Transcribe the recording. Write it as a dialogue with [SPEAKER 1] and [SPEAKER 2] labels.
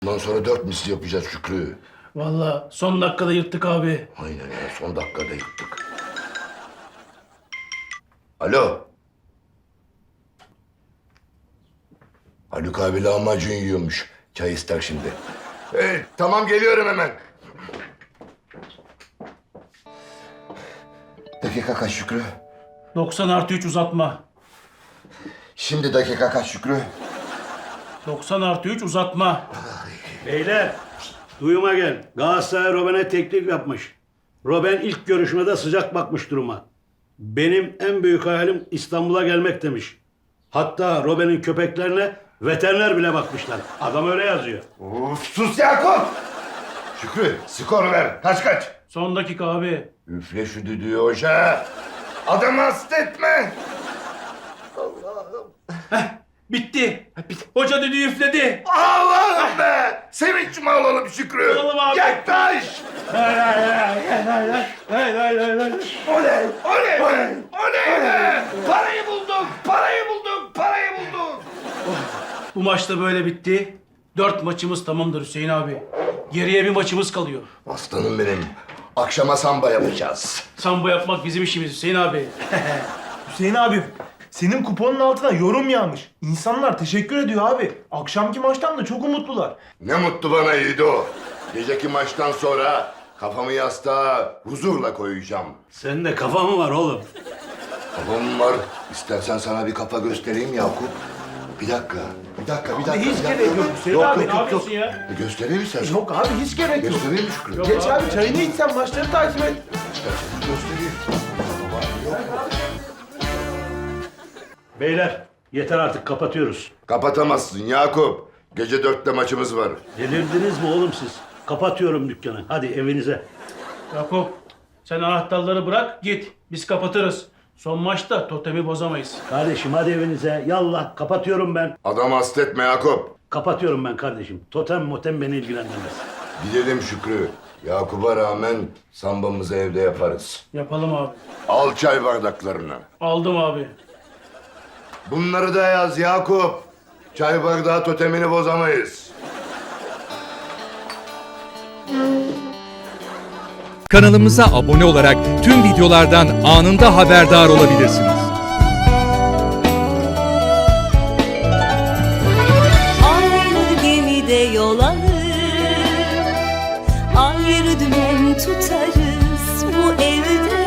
[SPEAKER 1] Bundan sonra 4 misli yapacağız Şükrü.
[SPEAKER 2] Vallahi son dakikada yırttık abi.
[SPEAKER 1] Aynen ya, son dakikada yıktık. Alo. Haluk abi lahmacun yiyormuş. Çay ister şimdi. Tamam, geliyorum hemen. Dakika kaç Şükrü?
[SPEAKER 2] 90+3 uzatma.
[SPEAKER 1] Şimdi dakika kaç Şükrü?
[SPEAKER 2] 90+3 uzatma.
[SPEAKER 3] Beyler, duyuma gel. Galatasaray Robben'e teklif yapmış. Robben ilk görüşmede sıcak bakmış duruma. Benim en büyük hayalim İstanbul'a gelmek demiş. Hatta Robben'in köpeklerine veteriner bile bakmışlar. Adam öyle yazıyor.
[SPEAKER 1] Of, sus Yakup! Şükrü, skor ver. Kaç?
[SPEAKER 2] Son dakika abi.
[SPEAKER 1] Üfle şu düdüğü hoca. Adamı hasta etme.
[SPEAKER 2] Bitti. Hoca düdüğü üfledi.
[SPEAKER 1] Allah'ım be! Sevinç mi alalım Şükrü?
[SPEAKER 2] Alalım abi.
[SPEAKER 1] Yaklaş!
[SPEAKER 2] Hay hay hay hay hay hay hay hay hay.
[SPEAKER 1] Oley! Oley be! Oley be! Parayı bulduk! Parayı bulduk! Parayı bulduk!
[SPEAKER 2] Bu maçta böyle bitti. 4 maçımız tamamdır Hüseyin abi. Geriye bir maçımız kalıyor.
[SPEAKER 1] Aslanım benim. Akşama samba yapacağız.
[SPEAKER 2] Sambo yapmak bizim işimiz Hüseyin abi.
[SPEAKER 4] Hüseyin abi, senin kuponun altına yorum yağmış. İnsanlar teşekkür ediyor abi. Akşamki maçtan da çok umutlular.
[SPEAKER 1] Ne mutlu bana Yiğido. Geceki maçtan sonra kafamı yastığa huzurla koyacağım.
[SPEAKER 3] Senin de kafa mı var oğlum?
[SPEAKER 1] Kafam var. İstersen sana bir kafa göstereyim Yakup. Bir dakika.
[SPEAKER 4] Hiç gerek yok Hüseyin
[SPEAKER 1] Yok,
[SPEAKER 4] abi.
[SPEAKER 1] yok,
[SPEAKER 2] Ne yapıyorsun ya?
[SPEAKER 1] Göstereyim mi sen?
[SPEAKER 4] Yok abi, hiç gerek yok.
[SPEAKER 1] Göstereyim mi Şükrü?
[SPEAKER 4] Geç abi, çayını iç sen, maçları takip et.
[SPEAKER 1] İstersen göstereyim.
[SPEAKER 3] Beyler, yeter artık kapatıyoruz.
[SPEAKER 1] Kapatamazsın Yakup. Gece 4'te maçımız var.
[SPEAKER 3] Delirdiniz mi oğlum siz? Kapatıyorum dükkanı. Hadi evinize.
[SPEAKER 2] Yakup sen anahtarları bırak git. Biz kapatırız. Son maçta totemi bozamayız.
[SPEAKER 3] Kardeşim hadi evinize. Yallah kapatıyorum ben.
[SPEAKER 1] Adam hasta etme Yakup.
[SPEAKER 3] Kapatıyorum ben kardeşim. Totem motem beni ilgilendirmez.
[SPEAKER 1] Gidelim Şükrü. Yakup'a rağmen sambamızı evde yaparız.
[SPEAKER 2] Yapalım abi.
[SPEAKER 1] Al çay bardaklarını.
[SPEAKER 2] Aldım abi.
[SPEAKER 1] Bunları da yaz Yakup. Çay bardağı totemini bozamayız.
[SPEAKER 5] Kanalımıza abone olarak tüm videolardan anında haberdar olabilirsiniz.
[SPEAKER 6] Aynı gemide yol alır, ayrı dümen tutarız bu evde.